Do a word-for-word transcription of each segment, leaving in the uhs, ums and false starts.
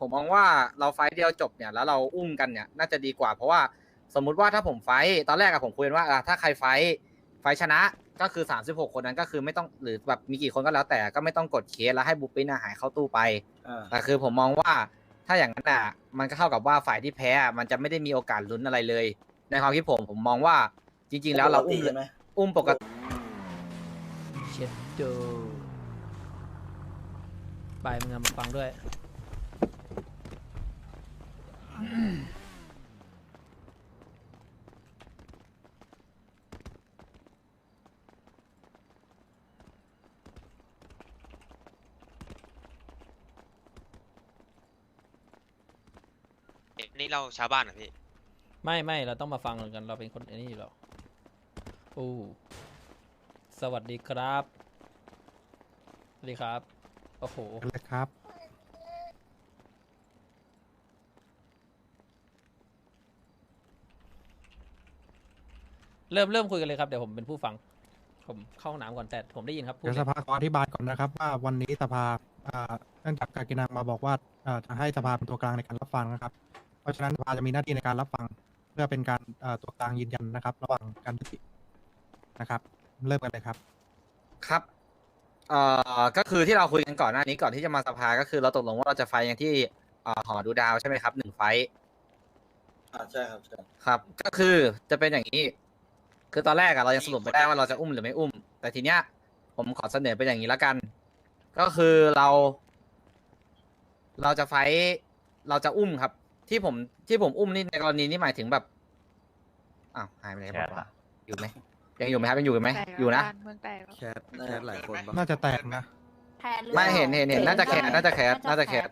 ผมมองว่าเราไฟท์เดียวจบเนี่ยแล้วเราอุ้มกันเนี่ยน่าจะดีกว่าเพราะว่าสมมุติว่าถ้าผมไฟท์ตอนแรกอะผมคุยกันว่าถ้าใครไฟท์ไฟท์ชนะก็คือสามสิบหกคนนั้นก็คือไม่ต้องหรือแบบมีกี่คนก็แล้วแต่ก็ไม่ต้องกดเคสแล้วให้บุปปินหายเข้าตู้ไปแต่คือผมมองว่าถ้าอย่างนั้นอ่ะมันก็เท่ากับว่าฝ่ายที่แพ้มันจะไม่ได้มีโอกาสลุ้นอะไรเลยในความคิดผมผมมองว่าจริงๆแล้วเราอุ้มอุ้มปกติเช็ดดูไปมึงมาฟังด้วยนี่เราชาวบ้านเหรอพี่ไม่ไม่เราต้องมาฟังกันเราเป็นคนนี้อยู่หรอโอ้สวัสดีครับสวัสดีครับโอ้โหเลยครับเริ่มเริ่มคุยกันเลยครับเดี๋ยวผมเป็นผู้ฟังผมเข้าห้องน้ำก่อนแต่ผมได้ยินครับเดี๋ยวสภาขออธิบายก่อนนะครับว่าวันนี้สภาเนื่องจากกากินังมาบอกว่าจะให้สภาเป็นตัวกลางในการรับฟังนะครับเพราะฉะนั้นสภาจะมีหน้าที่ในการรับฟังเพื่อเป็นการตัวกลางยืนยันนะครับระหว่างการยุตินะครับเริ่มกันเลยครับครับเอ่อก็คือที่เราคุยกันก่อนหน้านี้ก่อนที่จะมาสภาก็คือเราตกลงว่าเราจะไฟกันที่หอดูดาวใช่ไหมครับหนึ่งไฟอ่าใช่ครับใช่ครับก็คือจะเป็นอย่างนี้คือตอนแรกอะเรายังสรุปไม่ได้ว่าเราจะอุ้มหรือไม่อุ้มแต่ทีเนี้ยผมขอเสนอเป็นอย่างนี้แล้วกัน ก็คือเรา เราจะไฟเราจะอุ้มครับ ที่ผมที่ผมอุ้มนี่ในกรณีนี้หมายถึงแบบอ้าวหายไปไหนบอกว่าอยู่ไหมยังอยู่ไหมครับยังอยู่ไหมอยู่นะแคสแคสหลายคนน่าจะแตกนะไม่เห็นเห็นเห็นน่าจะแคสน่าจะแคสน่าจะแคส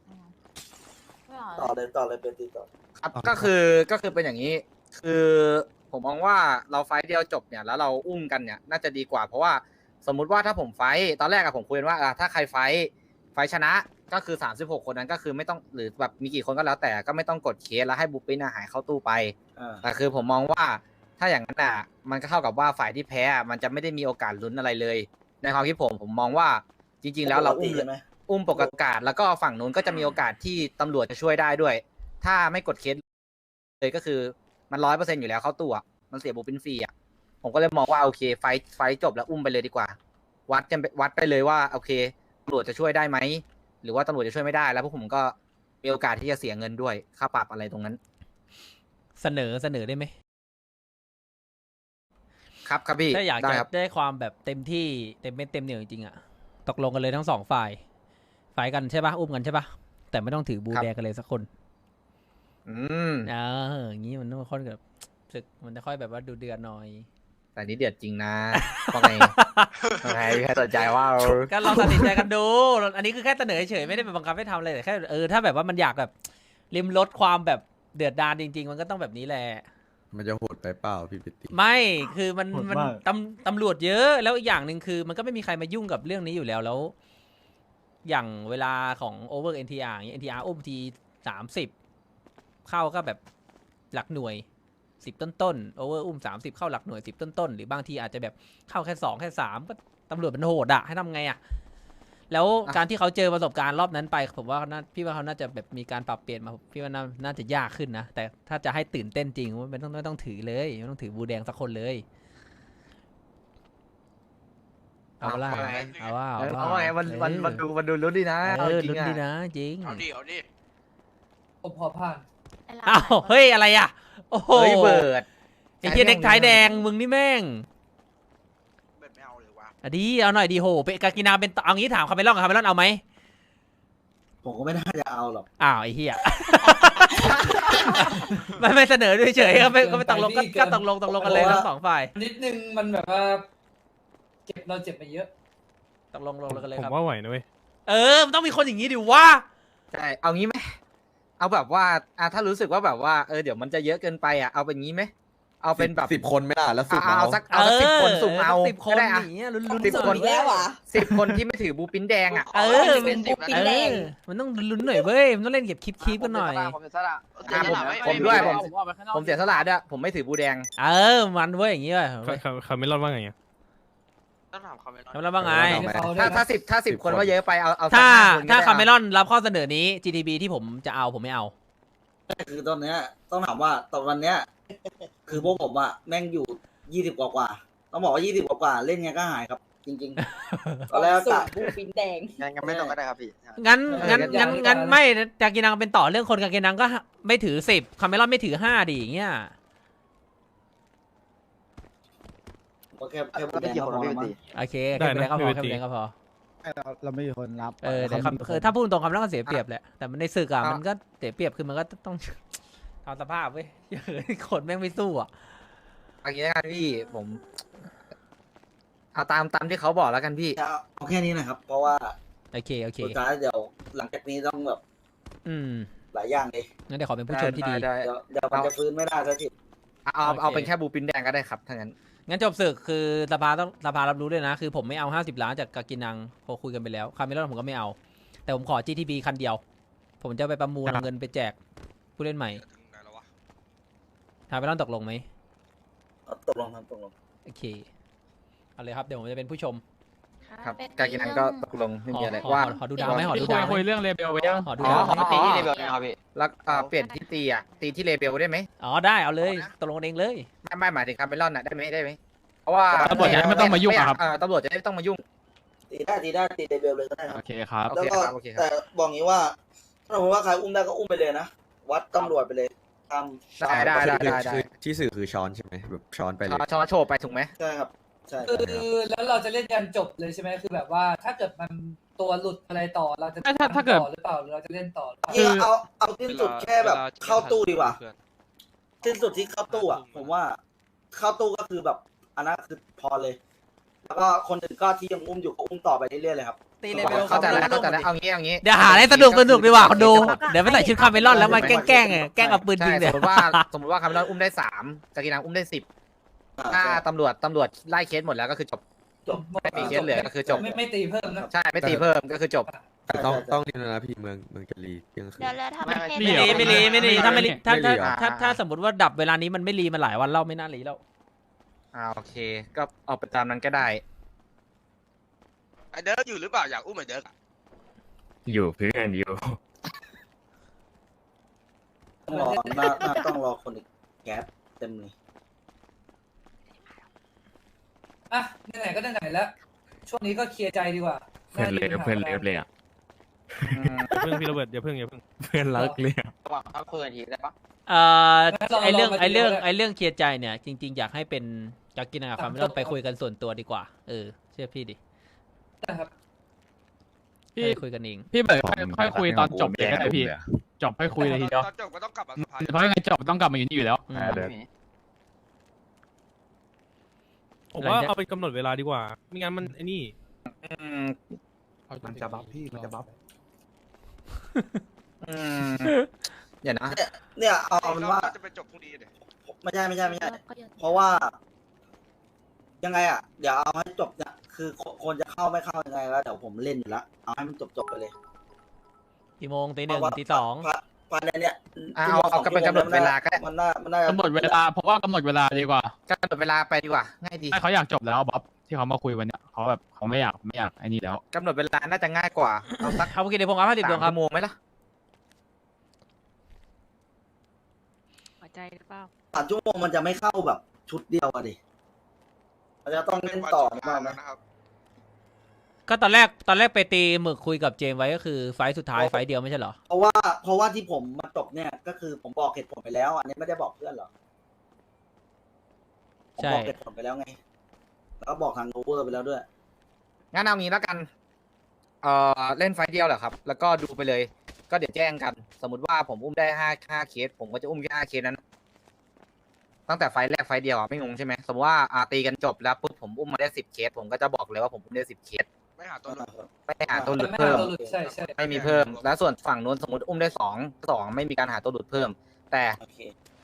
ต่อเลยต่อเลยเป็นตีต่อครับก็คือก็คือเป็นอย่างนี้ คือผมมองว่าเราไฟเดียวจบเนี่ยแล้วเราอุ้มกันเนี่ยน่าจะดีกว่าเพราะว่าสมมุติว่าถ้าผมไฟตอนแรกอะผมคุยกันว่าถ้าใครไฟไฟชนะก็คือสามสิบหกคนนั้นก็คือไม่ต้องหรือแบบมีกี่คนก็แล้วแต่ก็ไม่ต้องกดเคสแล้วให้บุปปินหายเข้าตู้ไปแต่คือผมมองว่าถ้าอย่างนั้นอะมันก็เท่ากับว่าฝ่ายที่แพ้มันจะไม่ได้มีโอกาสลุ้นอะไรเลยในความคิดผมผมมองว่าจริงๆแล้วเราอุ้มอุ้มปกติแล้วก็ฝั่งนู้นก็จะมีโอกาสที่ตำรวจจะช่วยได้ด้วยถ้าไม่กดเคสเลยก็คือมันร้อยเปอร์เซ็นต์อยู่แล้วเข้าตู้อะมันเสียบุปผินฟรีอ่ะผมก็เลยมองว่าโอเคไฟไฟจบแล้วอุ้มไปเลยดีกว่าวัดกันวัดไปเลยว่าโอเคตำรวจจะช่วยได้ไหมหรือว่าตำรวจจะช่วยไม่ได้แล้วพวกผมก็มีโอกาสที่จะเสียเงินด้วยค่าปรับอะไรตรงนั้นเสนอเสนอได้ไหมครับครับพี่ถ้าอยากจะได้ได้ความแบบเต็มที่เต็มเม็ดเต็มเหนียวจริงๆอ่ะตกลงกันเลยทั้งสองฝ่ายฝ่ายกันใช่ปะอุ้มกันใช่ปะแต่ไม่ต้องถือบูแดงกันเลยสักคนอืมอ่าอย่างนี้มันต้องค่อยแบบศึกมันจะค่อยแบบว่าดูเดือดหน่อยแต่นี้เดือดจริงนะว่าไงว่าไงแค่สนใจว่าก็ลองตัดสินใจกันดูอันนี้คือแค่เสนอเฉยไม่ได้ไปบังคับให้ทำอะไรแต่แค่เออถ้าแบบว่ามันอยากแบบริมลดความแบบเดือดดาลจริงๆมันก็ต้องแบบนี้แหละมันจะโหดไปเปล่าพี่ปิติไม่คือมันมันตำตำรวจเยอะแล้วอีกอย่างหนึ่งคือมันก็ไม่มีใครมายุ่งกับเรื่องนี้อยู่แล้วแล้วอย่างเวลาของโอเวอร์เอ็นทีอาร์อย่างเอ็นทีอาร์อุ้มทีสามสิบเข้าก็แบบหลักหน่วยสิบต้นต้นโอเวอร์อุ้มสามสิบเข้าหลักหน่วยสิบต้นต้นหรือบางทีอาจจะแบบเข้าแค่สองแค่สามก็ตำรวจมันโหดอะให้ทำไงอะแล้วการที่เขาเจอประสบการณ์รอบนั้นไปผมว่าพี่ว่าเขาน่าจะแบบมีการปรับเปลี่ยนมาพี่ว่าน่าจะยากขึ้นนะแต่ถ้าจะให้ตื่นเต้นจริงมันต้องไม่ต้องถือเลยไม่ต้องถือบูแดงสักคนเลยเอาว่าเอาว่าเอาว่ามันมันมันดูมันดูลุ้นดีนะเออลุ้นดีนะจริงเอาดิเอาดิผมพอผ่านอ้าวเฮ้ยอะไรอ่ะโอ้โหเบิร์ดไอ้เหี้ยเด็กท้ายแดงมึงนี่แม่งเบิร์ดไม่เอาเลยวะอ่ะดีเอาหน่อยดีโหเป็นกากินาเป็นเอางี้ถามคาเมลอนกับคาเมลอนเอาไหมผมก็ไม่น่าจะเอาหรอกอ้าวไอ้เหี้ยไม่ไม่เสนอด้วยเฉยก็ไม่ก็ไม่ตกลงก็ตกลงตกลงกันเลยทั้งสองฝ่ายนิดนึงมันแบบว่าเจ็บเราเจ็บไปเยอะตกลงลงกันเลยครับผมว่าไหวนะเว้ยเออมันต้องมีคนอย่างนี้ดิวะใช่เอางี้ไหมเอาแบบว่าอ่ะถ้ารู้สึกว่าแบบว่าเออเดี๋ยวมันจะเยอะเกินไปอ่ะเอาเป็นงี้ไหมเอาเป็นแบบสิบคนไม่ได้แล้วสุ่มเอาสักเอาสักสิบคนสุ่มเอาสิบคนอย่างเงี้ยลุ้นสิบคนแล้วอ่ะสิบคนที่ไม่ถือบูปินแดงอ่ะเออเป็นบูปินแดงมันต้องลุ้นหน่อยเว้ยมันต้องเล่นเก็บคลิปคลิปกันหน่อยผมด้วยผมผมเสียสละด้วยผมไม่ถือบูแดงเออมันเว้ยอย่างงี้ว่ะเขาไม่รอดว่าไงต้องถามคอมเมนต์แล้วว่าไงถ้าถ้าสิบถ้าสิบคนว่าเยอะไปเอาเอาสักถ้าห้คนก็ถ้าได้คาเมรอนรับข้อเสนอนี้ จี ที บี ที่ผมจะเอาผมไม่เอาคือตอนเนี้ยต้องถามว่าตอนวันเนี้ย คือพวกผมอะแม่งอยู่ยี่สิบกว่ากว่าต้องบอกว่ายี่สิบกว่ากว่าเล่นไงก็หายครับ จริงๆตอนแรกสูกะตรบูฟินแดงงั้นงั้นไม่ต้องก็ได้ครับพี่งั้นงั้นงั้นงั้นไม่จากกินังเป็นต่อเรื่องคนกับกินังก็ไม่ถือสิบคาเมรอนไม่ถือห้าดิอย่างเงี้ยก็แค่แค่พูดแดงก็พอมั้งโอเคแค่เป็นก็พอแค่เป็นก็พอเราไม่มีคนรับเออแต่คำคือถ้าพูดตรงคำนั้นก็เสียเปรียบแหละแต่มันในศึกอะมันก็เสียเปรียบคือมันก็ต้อง ทำสภาพเว้ยคนแม่งไม่สู้อะเอางี้แล้วกันพี่ผมเอาตามตามที่เขาบอกแล้วกันพี่จะเอาแค่นี้นะครับ เพราะว่าโอเคโอเคสุดท้ายเดี๋ยวหลังจากนี้ต้องแบบอืมหลายอย่างเลยงั้นเดี๋ยวขอเป็นผู้ชมที่ดีได้เดี๋ยวเดี๋ยวมันจะฟื้นไม่ได้สักทีเอาเอาเอาโอเคเป็นแค่บูปินแดงก็ได้ครับถ้างั้นงั้นจบศึกคือสภาต้องสภารับรู้ด้วยนะ คือผมไม่เอาห้าสิบล้านจากกากินังพอคุยกันไปแล้วคาเมรอนผมก็ไม่เอา แต่ผมขอ จี ที บี คันเดียว ผมจะไปประมูลเอาเงินไปแจกผู้เล่นใหม่ถึงไหนแล้ววะคาเมรอนตกลงไหมตกลงครับตกลงโอเคเอาเลยครับเดี๋ยวผมจะเป็นผู้ชมครับกากินังก็ตกลงไม่มีอะไรขอว่าขอขอดูดาวไหมขอดูดาวไหมคุยเรื่องเลเบลไปยังขอดูอ๋อดาวไหมอ๋อตีที่เลเวลนะครับพี่แล้วอ่าเปลี่ยนที่ตีอ่ะตีที่เลเบลได้ไหมอ๋อได้เอาเลยตกลงกันเองเลยไม่ไม่หมายถึงคาเมลอนน่ะได้ไหมได้ไหมเพราะว่าตำรวจจะได้ไม่ต้องมายุ่งอะครับเออตำรวจจะได้ไม่ต้องมายุ่งตีได้ตีได้ตีเดเบลเลยก็ได้คโอรับเคครับโอแล้วเคก็ครับโอเคครับแต่บอกงี้ว่าถ้าสมมติว่าใครอุ้มได้ก็อุ้มไปเลยนะวัดตำรวจไปเลยตามได้ได้ได้ได้ได้คือที่สื่อคือช้อนใช่ไหมแบบช้อนไปเลยช้อนช้อนโชว์ไปถูกไหมใช่ครับใช่คือแล้วเราจะเล่นยันจบเลยใช่ไหมคือแบบว่าถ้าเกิดมันตัวหลุดอะไรต่อเราจะถ้าถ้าถ้าเกิดต่อหรือเปล่าหรือเราจะเล่นต่อหรือเปล่าคือเอาเอาสิ้นสุดแค่แบบเข้าตู้ดีกว่าสิ้นสุดที่เข้าตู้อ่ะผมว่าเข้าตู้ก็คือแบบอันนั้นคือพอเลย แล้วก็คนอื่นก็ที่ยังอุ้มอยู่ก็อุ้มต่อไปเรื่อยๆเลยครับตีเลเวลเข้าใจแล้วเข้าใจแล้วเอางี้เอางี้เดี๋ยวหาอะไรสนุกสนุกดีกว่าคนดูเดี๋ยวไปใส่ชุดคาเมลอนแล้วมาแกล้งแกล้งแกล้งเอาปืนยิงใช่เนี่สยมมติว่าสมมติว่าคาเมลอนอุ้มได้สามกากินังอุ้มได้สิบอ่าถ้าใช่ตำรวจตำรวจไล่เคสหมดแล้วก็คือจบจบไม่มีเคสเหลือก็คือจบไม่ไม่ตีเพิ่มนะใช่ไม่ตีเพิ่มก็คือจบแต่ต้องต้องนี่นะพี่เมืองเมืองจะรีเที่ยงคืนเดี๋ยวแล้วทำไมไม่ให้ไม่รีไม่รีไม่รีถ้าไม่รีถ้าไม่รีถ้าเหรอถ้าถ้าสมมติว่าดับเวลานี้มันไม่รีมาหลายวันเล่าไม่น่ารีแล้วอ่าโอเค ก็เอาไปตามนั้นก็ได้ไอเดิร์กอยู่หรือเปล่าอยากอุ้มไอเดิร์กอะอยู่เพื่อนอยู่ต้องรอหน้าหน้าต้องรอคนอีกแก๊ปเต็มเลยอ่ะไหนๆก็ไหนๆแล้ว ช่วงนี้ก็เคลียร์ใจดีกว่าเพื่อนเลยเพื่อนเลิฟเลยอ่ะอืมเพื่อนพี่โรเบิร์ตอย่าเพิ่งอย่าเพิ่งเพื่อนรักเลยอะระหว่างพักคุยกันทีได้ปะเอ่องั้นเราไอเรื่องเรามาไอเรื่องดูแล้วไอเรื่องเคลียร์ใจเนี่ยจริง ๆ อยากให้เป็นจากกินกับคาเมลอนไปคุยกันส่วนตัวดีกว่าเออเชื่อพี่ดินะครับพี่ไปคุยกันเองพี่เบิร์ดค่อยค่อยคุยตอนจบเลยก็ได้พี่ จบค่อยคุยเลยทีเดียวตอนจบก็ต้องกลับมาสภาเพราะยังไงจบต้องกลับมาอยู่นี่อยู่แล้วอืมผมว่าเอาเป็นกำหนดเวลาดีกว่า ไม่งั้นมันไอ้นี่อืมมันจะบัฟพี่มันจะบัฟอืมเดี๋ยวนะเนี่ยเนี่ยเอาเอาเป็นว่าจะไปจบพรุ่งนี้เดี๋ยวไม่ใช่ไม่ใช่ไม่ใช่ เพราะว่า ยังไงอ่ะ เดี๋ยวเอาให้จบเนี่ยคือคนจะเข้าไม่เข้ายังไงแล้วเดี๋ยวผมเล่นอยู่แล้วเอาให้มันจบจบๆไปเลยกี่โมงตีหนึ่งตีสองภายในเนี่ยอ่ะเอาเอาเป็นกำหนดเวลาก็ได้มันน่ามันน่ากำหนดเวลาผมว่ากำหนดเวลาดีกว่ากำหนดเวลาไปดีกว่าง่ายดีถ้าเขาอยากจบแล้วบ๊อบที่เขามาคุยวันเนี้ยเขาแบบเขาไม่อยากไม่อยากไอ้นี่แล้วกำหนดเวลาน่าจะง่ายกว่าเอาสักเอากี่เดี๋ยวผมเอาห้าสิบดวงคสารัมบชั่วโมงไหมล่ะหัวใจหรือเปล่าสามชั่วโมงมันจะไม่เข้าแบบชุดเดียวอะดิมันจะต้องเล่นต่อหรือเปล่าแล้นะวนะครับก็ตอนแรกตอนแรกไปตีหมึกคุยกับเจมส์ไว้ก็คือไฟล์สุดท้ายไฟล์เดียวไม่ใช่เหรอเพราะว่าเพราะว่าที่ผมมาจบเนี่ย ก็คือผมบอกเหตุผลไปแล้ว อันนี้ไม่ได้บอกเพื่อนหรอผมใช่บอกเหตุผลไปแล้วไง แล้วก็บอกทางโอเวอร์ไปแล้วด้วยงั้นเอางี้แล้วกันเอ่อเล่นไฟล์เดียวเหรอครับ แล้วก็ดูไปเลย ก็เดี๋ยวแจ้งกัน สมมติว่าผมอุ้มได้ห้าห้าเคส ผมก็จะอุ้มแค่ห้าเคสนั้น ตั้งแต่ไฟล์แรกไฟล์เดียวอ่ะไม่งงใช่ไหมสมมติว่าอาตีกันจบแล้วปุ๊บผมอุ้มมาได้สิบเคส ผมก็จะบอกเลยว่าผมอุ้มได้สิบเคสไม่หาตัวหลุดไม่หาตัวหลุดไม่เพิ่หาม ตัวหลุดใช่ใช่ไม่มีเพิ่ม แล้วส่วนฝั่งนู้นสมมติอุ้มได้สองสองไม่มีการหาตัวหลุดเพิ่ม แต่โอเค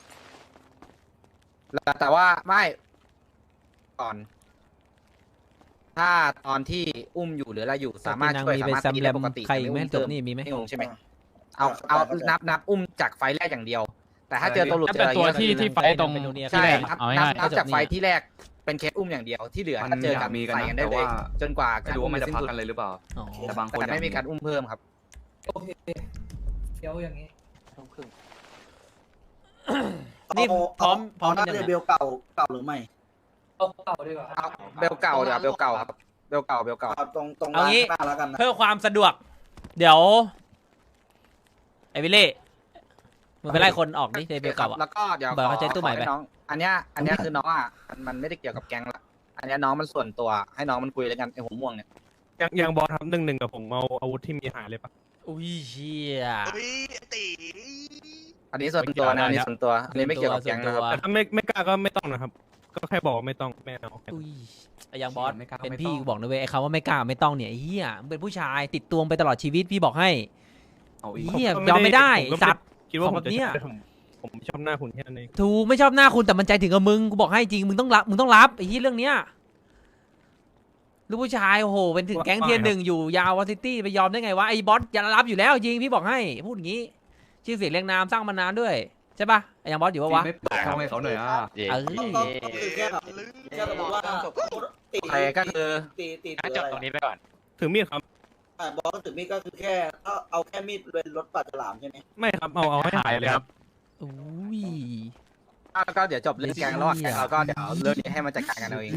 แล้วแต่ว่าไม่ก่อน ถ้าตอนที่อุ้มอยู่หรืออะไรอยู่สามารถนางช่วยมีสาไปมารถซัมตีแรได้มปกติใครอีกไหมแต่จบอุ้นี่มีไหมไม่งงใช่ไหมเอาเอานับนับอุ้มจากไฟล์แรกอย่างเดียว แต่ถ้าเจอตัวหลุดถ้าเจเป็นออะไรตัวเงี้ยที่ที่ไฟตรงเป็นโนเนียใช่ที่แรกนับเอานับง่ายนับจากไฟล์ที่แรกไปเป็นเคสอุ้มอย่างเดียวที่เหลือมันถ้าเจอกันอยากมีกันนะใส่กันได้เลยแต่ว่าจนกว่าไม่รู้ว่ามันจะพักกันเลยหรือเปล่าอ๋อแต่บางคนแต่ไม่มีการอุ้มเพิ่มครับโอเคเดี๋ยวอย่างนี้นี่พร้อมพร้อมเอาหน้ายังเรไงเบลเก่าเก่าหรือไม่เอาเก่าดีกว่าเอาเบลเก่าเดี๋ยวเบลเก่าครับเบลเก่าเบลเก่าเอาตรงตรงเอาร้านงี้ข้างหน้าแล้วกันนะเพื่อความสะดวก เดี๋ยวไอวิลเล่มึงไปไล่คนออกนี่ในเบลเก่าอ่ะแล้วก็เดี๋ยวเบิกเขาใช้ตู้ใหม่ไปขอน้อง อันเนี้ยอันเนี้ยคือน้องอ่ะมันมันไม่ได้เกี่ยวกับแก๊งละอันเนี้ยน้องมันส่วนตัวให้น้องมันคุยแล้วกันไอ้หัวม่วงเนี่ยยังยังบอสครับหนึ่งหนึ่งกับผมเอาอาวุธที่มีหายเลยปะอุ้ยเชี่ยเฮ้ยตีอันนี้ส่วนตัวนะอันนี้ส่วนตัวอันนี้ไม่เกี่ยวกับแก๊งนะครับแต่ถ้าไม่ไม่กล้าก็ไม่ต้องนะครับ ก็แค่บอกว่าไม่ต้องไม่เอาอุ้ยไอ้ยังบอสไม่กล้าก็เป็นไม่พี่ต้องกูบอกนะเว้ยไอ้คำว่าไม่กล้าไม่ต้องเนี่ยไอ้เฮียมึงเป็นผู้ชายติดตัวไปตลอดชีวิตพี่บอกให้เอาอีกเฮียยอมไม่ได้ผมก็สัตว์คิดว่าของผแบมบจะเนี้ยใช้ผมผมชอบหน้าคุณแค่นั้นเองถูกไม่ชอบหน้าคุณแต่มันใจถึงกับมึงกูบอกให้จริงมึงต้องรับมึงต้องรับไอ้ที่เรื่องเนี้ยลูกผู้ชายโอ้โหเป็นถึงแก๊งเทียนหนึ่งอยู่ยาววอซิตี้ไปยอมได้ไงวะไอ้บอสอย่ารับอยู่แล้วจริงพี่บอกให้พูดอย่างนี้ชื่อเสียงเรียงนามสร้างมานานด้วยใช่ปะไอ้ยังบอสอยู่ปะวะไม่เปิดช่องให้เขาหน่อยอ่ะเออก็ก็ก็คือแค่แบบแค่สมมติว่าตีใครก็คือตีตีงั้นตีจบอะไรตรงนี้ไปก่อนถือมีดครับอ่ะบอสก็ถือมีดก็คือแค่เอาเอาแค่มีดเป็นรถปัดฉลามใช่ไหมไม่ครับเอาเอาให้หายเลยครับอุ้ยแล้วก็เดี๋ยวจบเรื่องแก๊งแล้วอะแก๊งเราก็เดี๋ยวเรื่องนี้ให้มันจัดการกันเอาเอง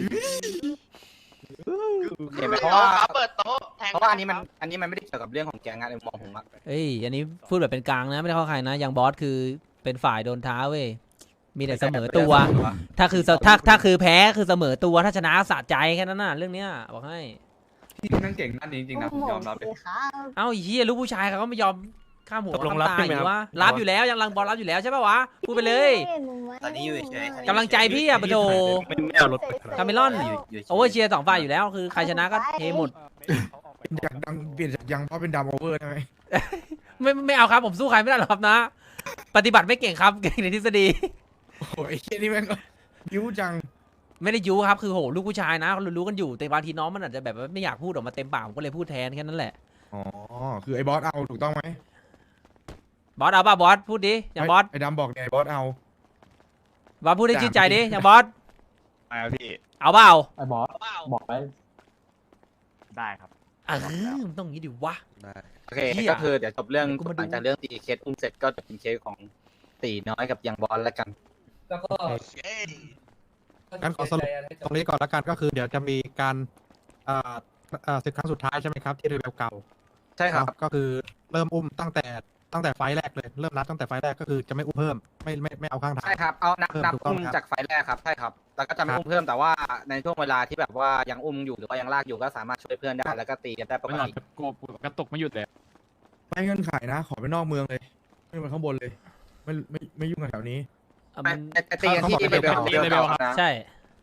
เห็นไหมเพราะว่าเปิดโต๊ะแทงเพราะว่าอันนี้มันอันนี้มันไม่ได้เกี่ยวกับเรื่องของแก๊งงานในมุมมองผมอะเอ้ยอันนี้พูดแบบเป็นกลางนะไม่ได้เข้าใครนะยังบอสคือเป็นฝ่ายโดนท้าเว้ยมีแต่เสมอตัว ถ้าคือถ้าถ้าคือแพ้คือเสมอตัวถ้าชนะสะใจแค่นั้นน่ะเรื่องเนี้ยบอกให้พี่นั่งเก่งด้านนี้จริงๆนะผมยอมรับเลยเอ้าไอ้เหี้ยลูกผู้ชายเขาก็ไม่ยอมข้ามหัวตกลงข้ามรับตาใช่ไหมอยู่ครับวะรับอยู่แล้วยังรังบอลรับอยู่แล้วใช่ป่าวะพูดไปเลยตอนนี้อยู่เฉยกำลังใจพี่อะปะโถไม่ไม่เอารถไปครับคาเมลอนโอเวอร์เชียร์สองฝ่ายอยู่แล้วคือใครชนะก็เทหมดอยากดังเปลี่ยนจากยังเพราะเป็นดำโอเวอร์ได้ไหมไม่ไม่เอาครับผมสู้ใครไม่ได้หรอกครับนะ ปฏิบัติไม่เก่งครับเก่งในทฤษฎีโอ้ยไอ้เหี้ยนี่แม่งก็บิ้วจังไม่ได้ยุครับคือโหลูกผู้ชายนะเขารู้ๆกันอยู่แต่บางทีน้องมันอาจจะแบบว่าไม่อยากพูดออกมาเต็มปากผมก็เลยพูดแทนแค่นั้นแหละอ๋อ คือไอ้บอสเอาถูกต้องไหมบอสเอาป่ะบอสพูดดิอย่างบอสไอ้ดำบอกเนี่ยไอ้บอสเอาบอสพูดได้ชื่นใจดิอย่างบอสมาพี่เอาเปล่าไอ้บอสบอกไปได้ครับเออมันต้องอย่างนี้ดิวะได้โอเคเหี้ยก็คือเดี๋ยวจบเรื่องกูมาดูหลังจากเรื่องตีเคสอุ้มเสร็จก็จะเป็นเคสของตีน้อยกับยังบอลแล้วกันแล้วก็เอ้ยงั้นขอสรุป ตรงนี้ก่อนละกันก็คือเดี๋ยวจะมีการอ่าอ่าศึกครั้งสุดท้ายใช่ไหมครับที่เรเบลเก่าใช่ครับก็คือเริ่มอุ้มตั้งแต่ตั้งแต่ไฟล์แรกเลยเริ่มนับตั้งแต่ไฟล์แรกก็คือจะไม่อุ้มเพิ่มไม่ไม่ไม่เอาข้างทางใช่ครับ เอานับเพิ่มนับถูกต้องอุ้มครับจากไฟล์แรกครับ ใช่ครับ แล้วก็จะไม่ครับอุ้มเพิ่มแต่ว่าในช่วงเวลาที่แบบว่ายังอุ้มอยู่หรือว่ายังลากอยู่ก็สามารถช่วยเพื่อนได้แล้วก็ตีกันได้ปกไม่หลับติกูกระตุกไม่หยุดเลยไม่เงื่อนไขนะ ขอไปนอกเมืองเลย ไม่ไปข้างบนเลย ไม่ไม่ไม่ยุ่งกับแถวนี้เอาไม่มันแต่แต่ตีกันที่เขาเลบอกเวลเป็นเลเวลครับนะใช่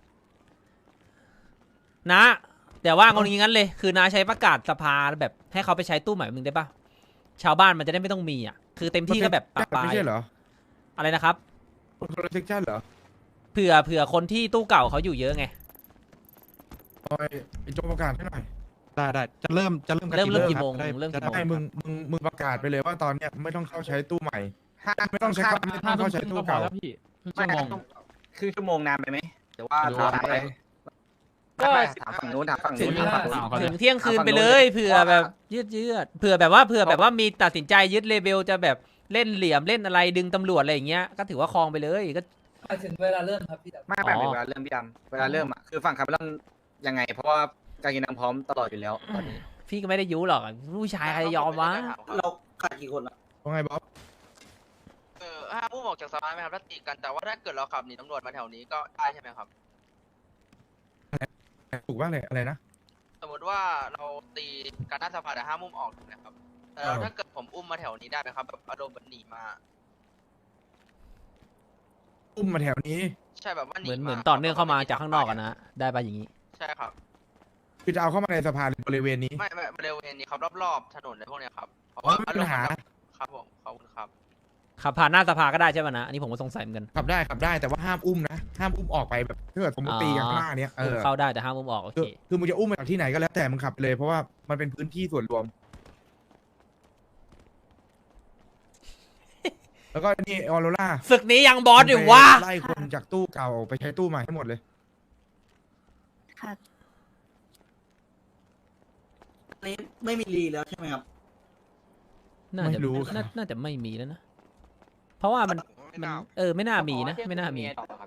นะแต่ว่าเอางี้งั้นเลย คือนาใช้ประกาศสภาแบบให้เขาไปใช้ตู้ใหม่มึงได้ปะชาวบ้านมันจะได้ไม่ต้องมีอ่ะคือเต็มที่ก็แบบปะปลาไม่ยใช่เหรออะไรนะครับคนละเซกชันเหรอเผื่อเผื่อคนที่ตู้เก่าเขาอยู่เยอะไงโอ้ยไอ้โจประกาศให้หน่อยได้ได้จะเริ่มจะเริ่มกันเริ่มเริ่มคบกี่โมงได้เริ่มกี่จะโมงให้มึงมึงมึงประกาศไปเลยว่าตอนเนี้ยไม่ต้องเข้าใช้ตู้ใหม่ห้าไม่ต้องใช้ครับไม่ต้องเข้าใช้ตู้เก่าแล้วพี่ครึ่งไม่ชั่วโมงคือชั่วโมงนานไปไหมหรือว่าไม่รู้ถามว่าไปก็ไม่ถามฝั่งนู้นถามฝั่งนู้นถามฝั่งนู้นเอาถึเขางเที่ยงคืนไปเลยเผื่อแบบยืดยืดเผื่อแบบว่าเผื่อแบบว่ามีตัดสินใจยึดเลเบลจะแบบเล่นเหลี่ยมเล่นอะไรดึงตำรวจอะไรอย่างเงี้ยก็ถือว่าคลองไปเลยก็หมายถึงเวลาเริ่มครับพี่ดำไม่ไม่อ๋อเวลาเริ่มพี่ดำเวลาเริ่มอ่ะคือฝั่งคาร์เมลอนยังไง เพราะว่าการกินน้ำพร้อมตลอดอยู่แล้วตอนนี้พี่ก็ไม่ได้ยุหรอกผู้ชายใครจะยอมวะเราขาดกี่คนอะว่าไงบ๊อบเออห้ามอุ้มออกจากสภาไหมครับถ้าตีกันแต่ว่าถ้าเกิดเราขับหนีตำรวจมาแถวนี้ก็ได้ใช่ไหมครับถูกว่าอะไรอะไรนะสมมติว่าเราตีกันหน้าสภาแต่ห้ามอุ้มออกถูกไหมครับแต่เออถ้าเกิดผมอุ้มมาแถวนี้ได้ไหมครับแบบอารมณ์แบบหนีมาอุ้มมาแถวนี้ใช่แบบว่าหนีเหมือนมาเหมือนต่อเนื่องเข้ามาจากข้างนอกอะนะได้ปะอย่างนี้ใช่ครับคือจะเอาเข้ามาในสภาหรือบริเวณนี้ไม่ไม่บริเวณนี้ครับรอบๆถนนอะไรพวกเนี้ยครับเพราะอ๋อว่าไม่มีปัญหาครับผมขอบคุณครับขับผ่านหน้าสภาก็ได้ใช่ปะนะอันนี้ผมก็สงสัยเหมือนกันขับได้ขับได้แต่ว่าห้ามอุ้มนะ ห้ามอุ้มออกไปแบบถ้าเกิดสมมติตีกันข้างหน้าเนี้ยเออเข้าได้แต่ห้ามมุมออกโอคืเคอคือมึงจะอุ้มมาจากที่ไหนก็แล้วแต่มึงขับไปเลยเพราะว่ามันเป็นพื้นที่ส่วนรวม แล้วก็นี่ออโรล่าศึกนี้ยังบอสอยู่วะไล่คนจากตู้เก่าไปใช้ตู้ใหม่ให้หมดเลยค่ะอันนี้ไม่มีรีแล้วใช่ไหมครับน่าจะไม่รู้ครับน่าน่าจะไม่มีแล้วนะ เพราะว่ามันมันเออไม่น่ามีนะ ไม่น่ามีต่อ